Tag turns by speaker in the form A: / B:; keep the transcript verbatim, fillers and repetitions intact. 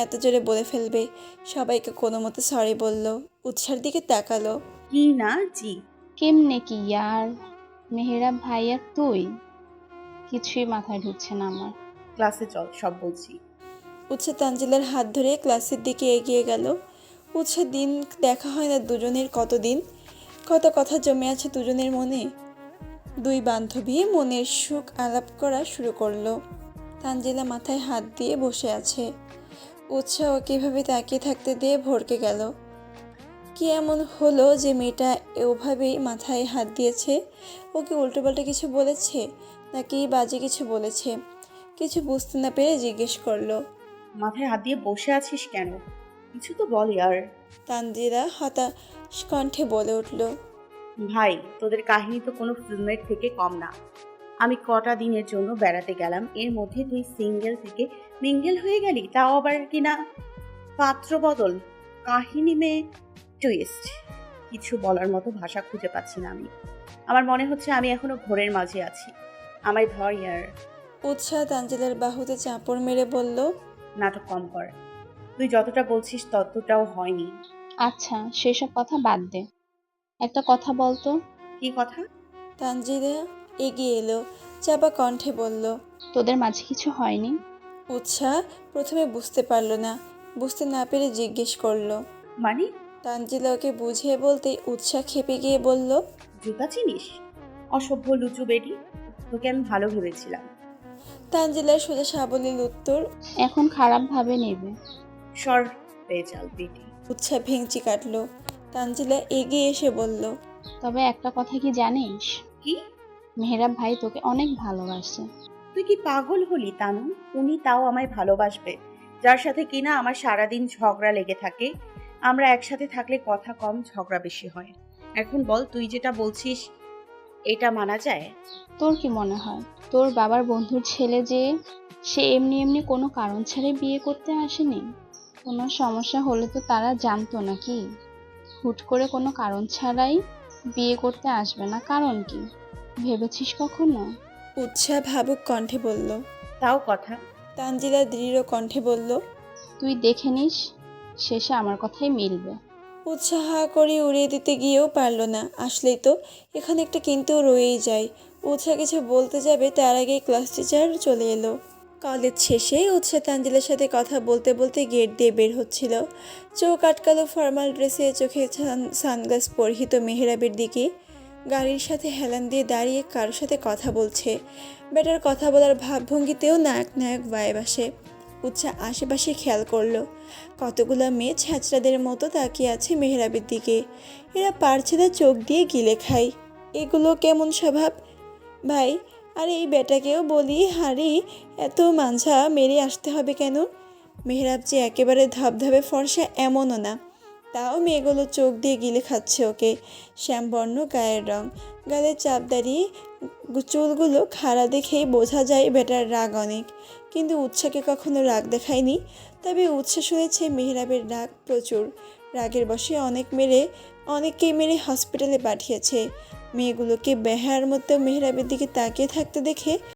A: এত জোরে বলে ফেলবে। সবাইকে কোনো মতো সরি বলল। উৎসার দিকে তাকালো।
B: কি না জি।
C: কেমনে কি ইয়ার? মেহেরাব ভাইয়া তুই? কিছুই মাথায় ঢুকছে না আমার।
B: ক্লাসে চল, সব বলছি।
A: উৎসা তানজিলার হাত ধরে ক্লাসের দিকে এগিয়ে গেল। উৎসা দিন দেখা হয় না দুজনের, কতদিন কত কথা জমে আছে দুজনের মনে। দুই বান্ধবী মনের সুখ আলাপ করা শুরু করলো। তানজিলা মাথায় হাত দিয়ে বসে আছে। উৎসাহ কীভাবে তাকিয়ে থাকতে দিয়ে ভরকে গেল। কি এমন হলো যে মেয়েটা ওভাবেই মাথায় হাত দিয়েছে? ওকে উল্টোপাল্টা কিছু বলেছে নাকি বাজে কিছু বলেছে? কিছু বুঝতে না পেরে জিজ্ঞেস করলো।
B: মাথায় হাত দিয়ে বসে আছিস কেন? কিছু তো বল ইয়ার।
A: তানজিলা হতাশ কণ্ঠে বলে উঠল।
B: ভাই, তোদের কাহিনী তো কোনো ফিল্মের থেকে কম না। আমি কটা দিনের জন্য বেড়াতে গেলাম, এর মধ্যে তুই সিঙ্গেল থেকে মিঙ্গেল হয়ে গেলি, তাও আবার কিনা পাত্র বদল। কাহিনী মেয়ে টুইস্ট। কিছু বলার মতো ভাষা খুঁজে পাচ্ছি না আমি। আমার মনে হচ্ছে আমি এখনো ঘোরের মাঝে আছি। আমায় ধর ইয়ার।
A: উৎসাহ তানজিলার বাহুতে চাপড় মেরে বলল।
B: নাটক কম কর। তুই যতটা বলছিস ততটাও হয়নি।
C: আচ্ছা সেসব কথা বাদ দে, একটা কথা বলতো।
B: কি কথা?
A: তানজিলা এগিয়ে এলো, চাপা কণ্ঠে বলল।
C: তোদের মাঝে কিছু হয়নি?
A: উৎসাহ প্রথমে বুঝতে পারল না, বুঝতে না পেরে জিজ্ঞেস করলো।
B: মানে?
A: তানজিলা ওকে বুঝিয়ে বলতেই উৎসাহ খেপে গিয়ে বলল।
B: জুতা চিনিস? অসভ্য লুচু বেটি। তোকে আমি ভালো ভেবেছিলাম।
A: তানজিলার সোজা সাবলীল উত্তর।
C: এখন খারাপ ভাবে নেবে।
B: সর পেঁচাল বেটি।
A: উৎসাহ ভেঙচি কাটলো। তানজিলা এগিয়ে এসে বলল।
C: তবে একটা কথা কি জানিস?
B: কি?
C: মেহেরাব ভাই তোকে অনেক ভালোবাসে।
B: তুই কি পাগল হলি তানু? উনি তাও আমায় ভালোবাসবে, যার সাথে কিনা আমার সারাদিন ঝগড়া লেগে থাকে। আমরা একসাথে থাকলে কথা কম, ঝগড়া বেশি হয়। এখন বল, তুই যেটা বলছিস এটা মানা যায়?
C: তোর কি মনে হয় তোর বাবার বন্ধুর ছেলে যে সে এমনি এমনি কোনো কারণ ছাড়াই বিয়ে করতে আসেনি? কোনো সমস্যা হলে তো তারা জানতো নাকি? হুট করে কোনো কারণ ছাড়াই বিয়ে করতে আসবে না, কারণ কি ভেবেছিস কখনো?
A: উৎসাহ ভাবুক কণ্ঠে বলল।
B: তাও কথা।
A: তানজিলা দৃঢ় কণ্ঠে বলল।
C: তুই দেখে নিস, শেষে আমার কথাই মিলবে।
A: উৎসাহ করে উড়িয়ে দিতে গিয়েও পারল না। আসলেই তো, এখানে একটা কিন্তু রয়েই যায়। উৎসাহ কিছু বলতে যাবে তার আগেই ক্লাস টিচার চলে এলো। কলেজ শেষে উৎসাহ তানজিলার সাথে কথা বলতে বলতে গেট দিয়ে বের হচ্ছিল। চোখ আটকালো ফর্মাল ড্রেসে, চোখে সানগ্লাস পরিহিত মেহেরাবের দিকে। গাড়ির সাথে হেলান দিয়ে দাঁড়িয়ে কারোর সাথে কথা বলছে। বেটার কথা বলার ভাবভঙ্গিতেও নায়ক নায়ক ভাইব আসে। উৎসাহ আশেপাশে খেয়াল করলো। কতগুলো মেয়ে ছ্যাঁচড়াদের মতো তাকিয়ে আছে মেহেরাবের দিকে। এরা পারছে না চোখ দিয়ে গিলে খায়। এগুলো কেমন স্বভাব ভাই? আর এই বেটাকেও বলি, হারি এত মাঞ্ঝা মেরে আসতে হবে কেন? মেহেরাব যে একেবারে ধবধবে ফর্সা এমনও না, তাও মেয়েগুলো চোখ দিয়ে গিলে খাচ্ছে ওকে। শ্যামবর্ণ গায়ের রং, গালে চাপ দাঁড়িয়ে চুলগুলো খাড়া দেখেই বোঝা যায় বেটার রাগ অনেক। কিন্তু উৎসাকে কখনো রাগ দেখায়নি। তবে উৎসাহ শুনেছে মেহেরাবের রাগ প্রচুর। রাগের বশে অনেক মেরে অনেককে মেরে হসপিটালে পাঠিয়েছে। মেয়েগুলোকে বেহার মতো মেহেরাবের দিকে তাকিয়ে থাকতে দেখে